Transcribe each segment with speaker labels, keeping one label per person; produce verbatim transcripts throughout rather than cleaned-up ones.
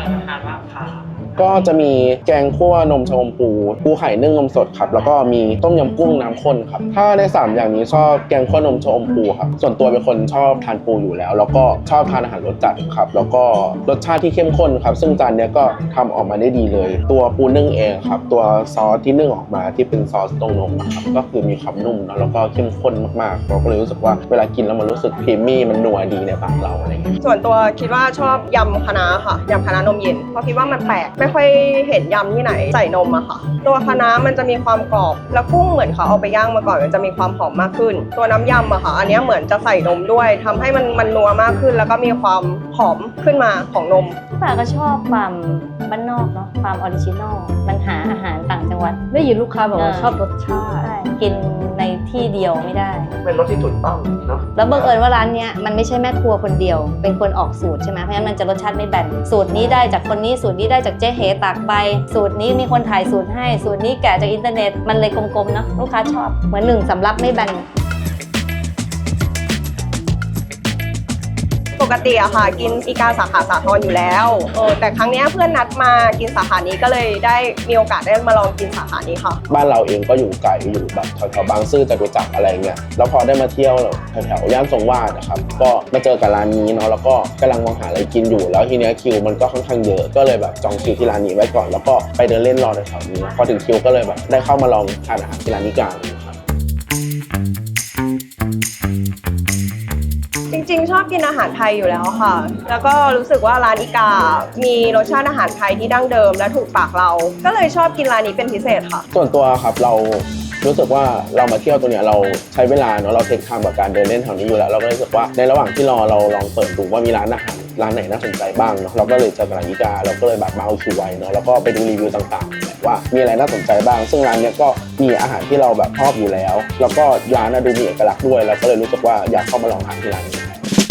Speaker 1: อะไรทานบ้างคะ
Speaker 2: ก็จะมีแกงคั่วนมชะอมปูปูไข่นึ่งนมสดครับแล้วก็มีต้มยำกุ้งน้ำข้นครับถ้าในสามอย่างนี้ชอบแกงคั่วนมชะอมปูครับส่วนตัวเป็นคนชอบทานปูอยู่แล้วแล้วก็ชอบทานอาหารรสจัดครับแล้วก็รสชาติที่เข้มข้นครับซึ่งจานนี้ก็ทำออกมาได้ดีเลยตัวปูนึ่งเองครับตัวซอสที่นึ่งออกมาที่เป็นซอสตรงนมครับก็คือมีความนุ่มแล้วก็เข้มข้นมากๆเราก็เลยรู้สึกว่าเวลากินแล้วมันรู้สึกครีมมี่มันนัวดีในปากเราอะไรอย่างเงี้ย
Speaker 3: ส่วนตัวคิดว่าชอบยำคะน้าค่ะยำคะน้านมเย็นเพราะคิดว่ามันแปลกไม่ค่อยเห็นยำที่ไหนใส่นมอะค่ะตัวคะน้ามันจะมีความกรอบแล้วกุ้งเหมือนเขาเอาไปย่างมาก่อนมันจะมีความหอมมากขึ้นตัวน้ำยำอะค่ะอันนี้เหมือนจะใส่นมด้วยทำให้มันมันนัวมากขึ้นแล้วก็มีความหอมขึ้นมาของนม
Speaker 4: ป่าก็ชอบความบ้านนอกเนาะความออริจินอลมันหาอาหารต่างจังหวัด
Speaker 5: ได้ยินลูกค้าบอกว่าชอบรสชาติ
Speaker 4: กินในที่เดียวไม่ได้
Speaker 1: เป็นรสที่ถูกต้องเนาะ
Speaker 4: แล้วบังเอิญว่าร้านเนี้ยมันไม่ใช่แม่ครัวคนเดียวเป็นคนออกสูตรใช่ไหมเพราะฉะนั้นมันจะรสชาติไม่แบนสูตรนี้ได้จากคนนี้สูตรนี้ได้จากเจ๊เหตากใบสูตรนี้มีคนถ่ายสูตรให้สูตรนี้แกะจากอินเทอร์เน็ตมันเลยกลมๆเนาะลูกค้าชอบเหมือนหนึ่งสำรับไม่แบน
Speaker 3: ปกติอะค่ะกินอีกาสาขาสาทรอยู่แล้วเออแต่ครั้งนี้เพื่อนนัดมากินสาขานี้ก็เลยได้มีโอกาสได้มาลองกินสาขานี้ค่ะ
Speaker 2: บ้านเราเองก็อยู่ไกลอยู่แบบแถวๆบางซื่อจตุจักรอะไรเงี้ยแล้วพอได้มาเที่ยวแถวๆย่านทรงวาดนะครับก็มาเจอกับร้านนี้เนาะแล้วก็กำลังมองหาอะไรกินอยู่แล้วทีเนี้ยคิวมันก็ค่อนข้างเยอะก็เลยแบบจองคิวที่ร้านนี้ไว้ก่อนแล้วก็ไปเดินเล่นรอแถวๆนี้พอถึงคิวก็เลยแบบได้เข้ามาลองทานอาหารที่ร้านนี้กันครับ
Speaker 3: จริงๆชอบกินอาหารไทยอยู่แล้วค่ะแล้วก็รู้สึกว่าร้านอีกามีรสชาติอาหารไทยที่ดั้งเดิมและถูกปากเราก็เลยชอบกินร้านนี้เป็นพิเศษค่ะ
Speaker 2: ส่วนตัวครับเรารู้สึกว่าเรามาเที่ยวตัวเนี้ยเราใช้เวลาเนาะเราเทคไทม์กับการเดินเล่นแถวนี้อยู่แล้วเราก็รู้สึกว่าในระหว่างที่รอเราลองเปิดดูว่ามีร้านอาหารร้านไหนน่าสนใจบ้างเนาะเราก็เลยเจอกับร้านอีกาเราก็เลยแบบมาเอาคิวไว้เนาะแล้วก็ไปดูรีวิวต่างๆว่ามีอะไรน่าสนใจบ้างซึ่งร้านเนี้ยก็มีอาหารที่เราแบบชอบอยู่แล้วแล้วก็ร้านน่ะดูมีเอกลักษณ์ด้วยเราก็เลยรู้สึกว่าอยากเข้ามาลองทานที่ร้านนี้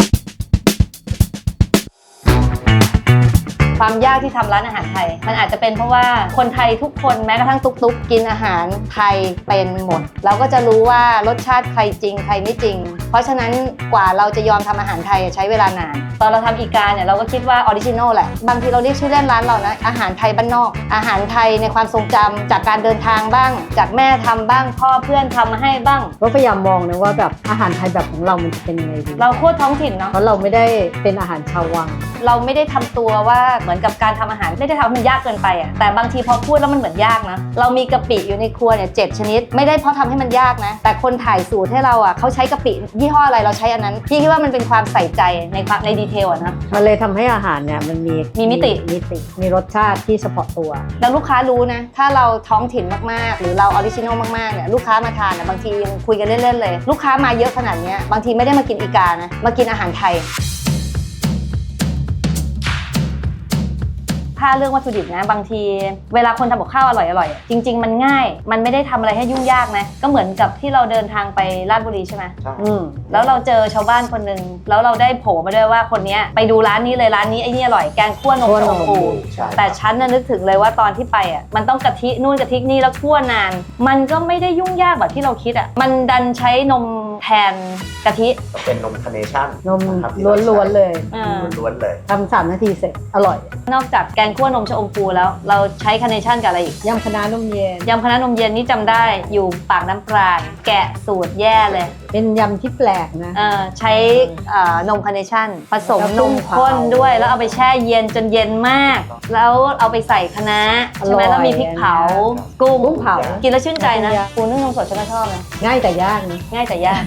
Speaker 4: ความยากที่ทำร้านอาหารไทยมันอาจจะเป็นเพราะว่าคนไทยทุกคนแม้กระทั่งตุ๊กๆกินอาหารไทยเป็นหมดเราก็จะรู้ว่ารสชาติใครจริงใครไม่จริงเพราะฉะนั้นกว่าเราจะยอมทำอาหารไทยใช้เวลานานตอนเราทำอีกาเนี่ยเราก็คิดว่าออริจินอลแหละบางทีเราเรียกชื่อเล่นร้านเรานะอาหารไทยบ้านนอกอาหารไทยในความทรงจำจากการเดินทางบ้างจากแม่ทำบ้างพ่อเพื่อนทำมาให้บ้าง
Speaker 5: ก็พยายามมองนะว่าแบบอาหารไทยแบบของเรามันจะเป็นยังไงดี
Speaker 4: เราโคตรท้องถิ่นเนาะ
Speaker 5: เพราะเราไม่ได้เป็นอาหารชาววัง
Speaker 4: เราไม่ได้ทำตัวว่าเหมือนกับการทำอาหารไม่ได้ทำให้มันยากเกินไปอ่ะแต่บางทีพอพูดแล้วมันเหมือนยากนะเรามีกะปิอยู่ในครัวเนี่ยเจ็ดชนิดไม่ได้เพราะทำให้มันยากนะแต่คนถ่ายสูตรให้เราอ่ะเขาใช้กะปิยี่ห้ออะไรเราใช้อันนั้นพี่คิดว่ามันเป็นความใส่ใจในความในดีเทลอ่ะนะ
Speaker 5: มันเลยทำให้อาหารเนี่ยมันมี
Speaker 4: มีมิติ
Speaker 5: มิติมีรสชาติที่เฉพาะตัว
Speaker 4: แล้วลูกค้ารู้นะถ้าเราท้องถิ่นมากๆหรือเราออริจินอลมากๆเนี่ยลูกค้ามาทานนะบางทียังคุยกันเล่นๆเลยลูกค้ามาเยอะขนาดนี้บางทีไม่ได้มากินอีกานะมากินอาหารไทยถ้าเรื่องวัตถุดิบนะบางทีเวลาคนทำกับข้าวอร่อยๆจริงๆมันง่ายมันไม่ได้ทำอะไรให้ยุ่งยากนะก็เหมือนกับที่เราเดินทางไปราชบุรีใช่ไหม
Speaker 1: ใช่
Speaker 4: แล้วเราเจอชาวบ้านคนหนึ่งแล้วเราได้โผล่มาด้วยว่าคนนี้ไปดูร้านนี้เลยร้านนี้ไอ้นี่อร่อยแกงคั่วนมชะอมปูแต่ฉันน่ะนึกถึงเลยว่าตอนที่ไปอ่ะมันต้องกะทินู่นกะทินี่แล้วคั่วนานมันก็ไม่ได้ยุ่งยากแบบที่เราคิดอ่ะมันดันใช้นมแทนกะทิ
Speaker 1: เป็นนมคาร์เนชั่น
Speaker 5: นมล้วนๆเลย
Speaker 1: ล้วนๆเลย
Speaker 5: ทำสามนาทีเสร็จอร่อย
Speaker 4: นอกจากแกงคั่วนมชะอมปูแล้วเราใช้คาร์เนชั่นกับอะไรอีก
Speaker 5: ยำคะน้านมเย็น
Speaker 4: ยำคะน้านมเย็นนี่จำได้อยู่ปากน้ำปราณแกะสูตรแย่เลย
Speaker 5: เป็นยำที่แปลกนะ
Speaker 4: ใช้นมคาร์เนชั่นผสมนมข้นด้วยแล้วเอาไปแช่เย็นจนเย็นมากแล้วเอาไปใส่คะน้าใช่ไหมแล้วมีพริกเผากุ้ง
Speaker 5: กุ้งเผา
Speaker 4: กินแล้วชื่นใจนะปูนึ่งนมสดฉันก็ชอบนะ
Speaker 5: ง่ายแต่ยากนะ
Speaker 4: ง่ายแต่ยาก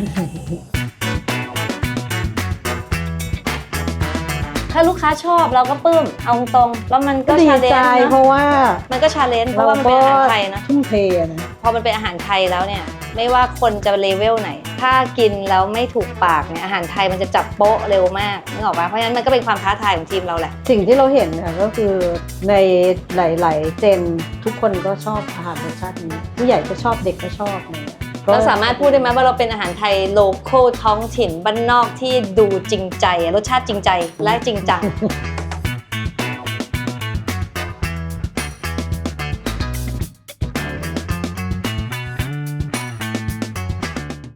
Speaker 4: ถ้าลูกค้าชอบเราก็ปลื้มเอาตรงแล้วมันก็ชาเลนจ์นะ
Speaker 5: เพราะว่า
Speaker 4: มันก็ชาเลนจ์เพราะว่ามันเป็นอาหารไทยนะ
Speaker 5: ทุ่มเทนะ
Speaker 4: พอมันเป็นอาหารไทยแล้วเนี่ยไม่ว่าคนจะเลเวลไหนถ้ากินแล้วไม่ถูกปากเนี่ยอาหารไทยมันจะจับโป๊ะเร็วมากนึกออกป่ะเพราะฉะนั้นมันก็เป็นความท้าทายของทีมเราแหละ
Speaker 5: สิ่งที่เราเห็นเนี่ยก็คือในหลายๆเจนทุกคนก็ชอบอาหารรสชาตินี้ผู้ใหญ่ก็ชอบเด็กก็ชอบเนี่ย
Speaker 4: เราสามารถพูดได้ไหมว่าเราเป็นอาหารไทยโลคอลท้องถิ่นบ้านนอกที่ดูจริงใจรสชาติจริงใจและจริงจัง